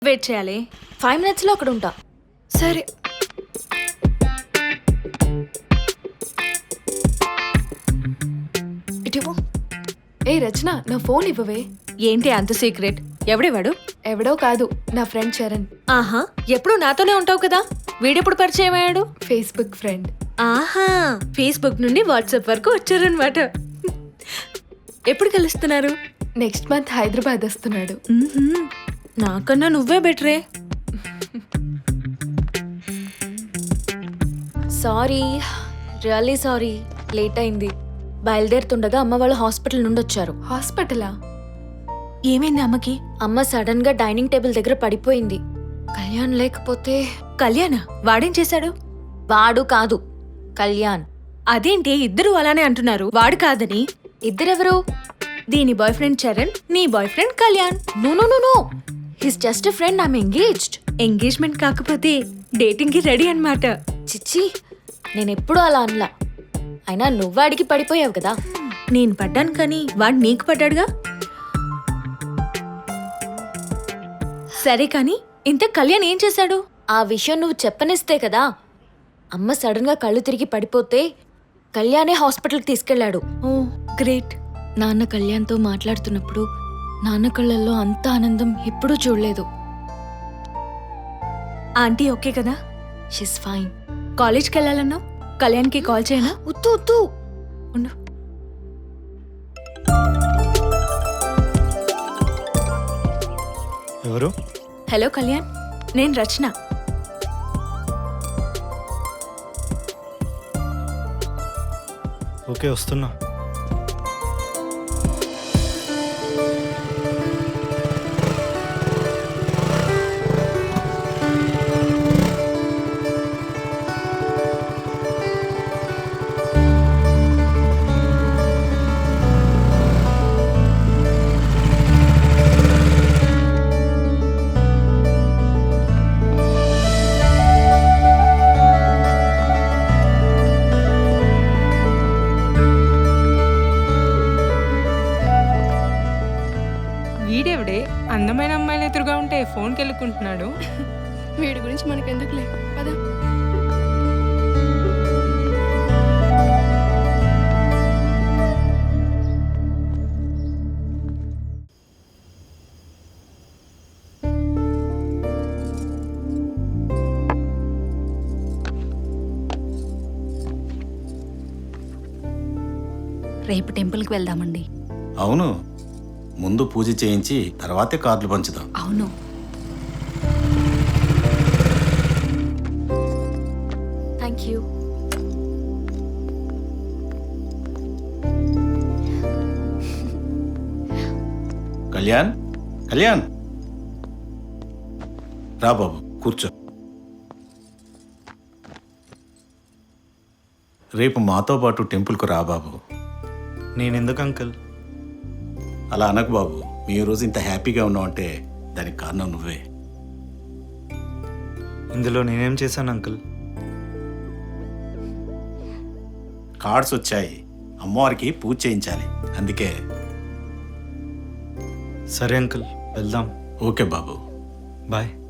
Wait చేయాలి. 5 minutesలో అక్కడ ఉంటా. సరే. ఇటివో. ఏ రచన, నా ఫోన్ ఇవ్వవే. ఏంటి అంత సీక్రెట్? ఎవడేవాడు? ఎవడో కాదు, నా ఫ్రెండ్ చరణ్. ఆహా, ఎప్పుడు నాతోనే ఉంటావు కదా, వీడెప్పుడు పరిచయం అయ్యాడు? Facebook friend. ఆహా, ఫేస్బుక్ నుండి వాట్సాప్ వరకు వచ్చారనమాట. ఎప్పుడు కలుస్తున్నారు? నెక్స్ట్ మంత్ హైదరాబాద్ వస్తున్నాడు. నాకన్నా నువ్వే బెటరే. సారీ, రియల్లీ సారీ, లేట్ అయింది. బయలుదేరుతుండగా అమ్మ వాళ్ళు హాస్పిటల్ నుండి వచ్చారు. హాస్పిటలా? ఏమైంది అమ్మకి? అమ్మ సడన్ గా డైనింగ్ టేబుల్ దగ్గర పడిపోయింది. కళ్యాణ్ లేకపోతే. కళ్యాణ? వాడేం చేశాడు? వాడు కాదు, కళ్యాణ్. అదేంటి ఇద్దరు అలానే అంటున్నారు, వాడు కాదని? ఇద్దరెవరు? దీని బాయ్ ఫ్రెండ్ చరణ్, నీ boy friend Kalyan. No no no no, his just a friend. I'm engaged. Engagement కాకపోతే డేటింగ్ కి రెడీ అన్నమాట. చిచ్చి, నేనెప్పుడూ అలా అనలా. అయినా నువ్వాడికి పడిపోయావు కదా. నేను పడ్డాను కానీ వాడు నీకు పడ్డాడుగా. సరే కానీ ఇంత కళ్యాణ్ ఏం చేశాడు? ఆ విషయం నువ్వు చెప్పనిస్తే కదా. అమ్మ సడన్ గా కళ్ళు తిరిగి పడిపోతే కళ్యాణే హాస్పిటల్కి తీసుకెళ్లాడు. Oh great. నాన్న కళ్యాణ్తో మాట్లాడుతున్నప్పుడు నాన్న కళ్ళల్లో అంత ఆనందం ఎప్పుడూ చూడలేదు. ఆంటీ ఓకే కదా? She's fine. కాలేజ్కి వెళ్ళాలన్నావు, కళ్యాణ్కి కాల్ చేయనా? ఉత్తు ఉత్తు ఉండు. ఎవరు? హలో కళ్యాణ్, నేను రచన. ఓకే, వస్తున్నా. వీడెవడే అందమైన అమ్మాయిలు ఎదురుగా ఉంటే ఫోన్కి వెళ్ళుకుంటున్నాడు. వీడి గురించి మనకెందుకులే, పదా. రేపు టెంపుల్కి వెళ్దామండి. అవును, ముందు పూజ చేయించి తర్వాతే కార్డులు పంచుదాం. అవును. Thank you. కళ్యాణ్, కళ్యాణ్ రా బాబు, కూర్చో. రేపు మాతో పాటు టెంపుల్కు రా బాబు. నేనెందుకు అంకుల్? అలా అనకు బాబు, మీ రోజు ఇంత హ్యాపీగా ఉన్నావంటే దానికి కారణం నువ్వే. ఇందులో నేనేం చేశాను అంకుల్? కార్డ్స్ వచ్చాయి, అమ్మవారికి పూజ చేయించాలి, అందుకే. సరే అంకుల్, వెళ్దాం. ఓకే బాబు, బాయ్.